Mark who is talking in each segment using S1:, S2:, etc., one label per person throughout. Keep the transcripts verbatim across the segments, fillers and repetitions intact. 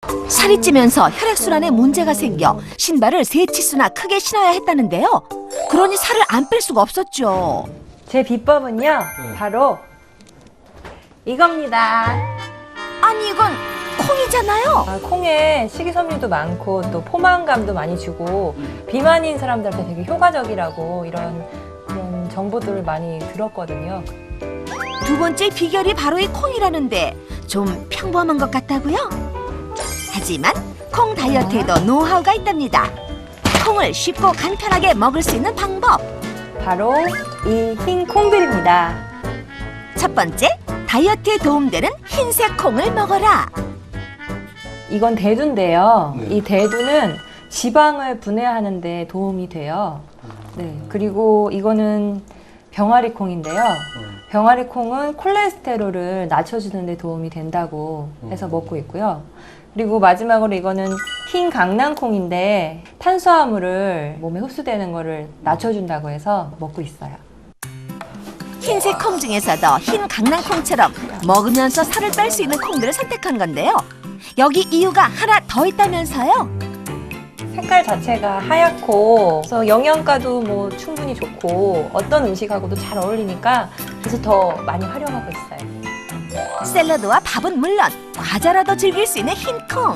S1: 살이 찌면서 혈액순환에 문제가 생겨 신발을 세 치수나 크게 신어야 했다는데요. 그러니 살을 안 뺄 수가 없었죠.
S2: 제 비법은요,
S3: 네.
S2: 바로 이겁니다.
S1: 아니 이건 콩이잖아요.
S2: 아, 콩에 식이섬유도 많고 또 포만감도 많이 주고 비만인 사람들한테 되게 효과적이라고 이런 그런 정보들을 많이 들었거든요.
S1: 두 번째 비결이 바로 이 콩이라는데 좀 평범한 것 같다고요? 하지만 콩 다이어트에도 노하우가 있답니다. 콩을 쉽고 간편하게 먹을 수 있는 방법.
S2: 바로 이 흰 콩들입니다.
S1: 첫 번째, 다이어트에 도움되는 흰색 콩을 먹어라.
S2: 이건 대두인데요.
S3: 네.
S2: 이 대두는 지방을 분해하는 데 도움이 돼요. 네. 그리고 이거는 병아리 콩인데요. 병아리 콩은 콜레스테롤을 낮춰주는 데 도움이 된다고 해서 먹고 있고요. 그리고 마지막으로 이거는 흰 강낭콩인데 탄수화물을 몸에 흡수되는 거를 낮춰준다고 해서 먹고 있어요.
S1: 흰색 콩 중에서도 흰 강낭콩처럼 먹으면서 살을 뺄 수 있는 콩들을 선택한 건데요. 여기 이유가 하나 더 있다면서요?
S2: 색깔 자체가 하얗고 그래서 영양가도 뭐 충분히 좋고 어떤 음식하고도 잘 어울리니까 그래서 더 많이 활용하고 있어요.
S1: 샐러드와 밥은 물론 과자라도 즐길 수 있는 흰 콩.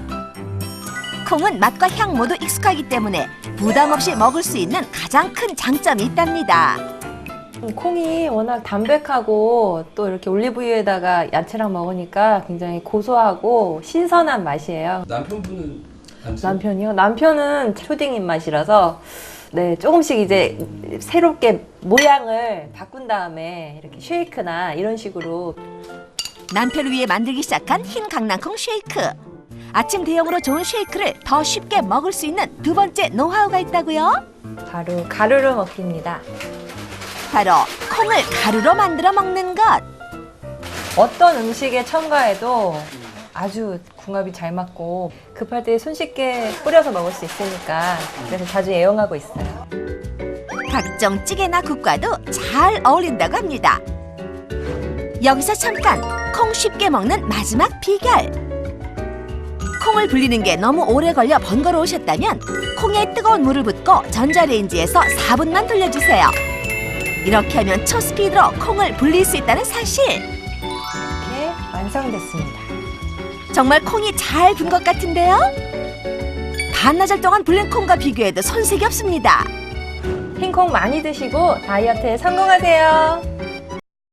S1: 콩은 맛과 향 모두 익숙하기 때문에 부담 없이 먹을 수 있는 가장 큰 장점이 있답니다.
S2: 콩이 워낙 담백하고 또 이렇게 올리브유에다가 야채랑 먹으니까 굉장히 고소하고 신선한 맛이에요.
S3: 남편분은 안 치-
S2: 남편이요? 남편은 초딩 입맛이라서 네, 조금씩 이제 새롭게 모양을 바꾼 다음에 이렇게 쉐이크나 이런 식으로
S1: 남편을 위해 만들기 시작한 흰 강낭콩 쉐이크. 아침 대용으로 좋은 쉐이크를 더 쉽게 먹을 수 있는 두 번째 노하우가 있다고요?
S2: 바로 가루로 먹기입니다.
S1: 바로 콩을 가루로 만들어 먹는 것.
S2: 어떤 음식에 첨가해도 아주 궁합이 잘 맞고 급할 때 손쉽게 뿌려서 먹을 수 있으니까 그래서 자주 애용하고 있어요.
S1: 각종 찌개나 국과도 잘 어울린다고 합니다. 여기서 잠깐 콩 쉽게 먹는 마지막 비결. 콩을 불리는 게 너무 오래 걸려 번거로우셨다면 콩에 뜨거운 물을 붓고 전자레인지에서 사 분만 돌려주세요. 이렇게 하면 초스피드로 콩을 불릴 수 있다는 사실.
S2: 이렇게 완성됐습니다.
S1: 정말 콩이 잘 분 것 같은데요? 반나절 동안 불린 콩과 비교해도 손색이 없습니다.
S2: 흰콩 많이 드시고 다이어트에 성공하세요.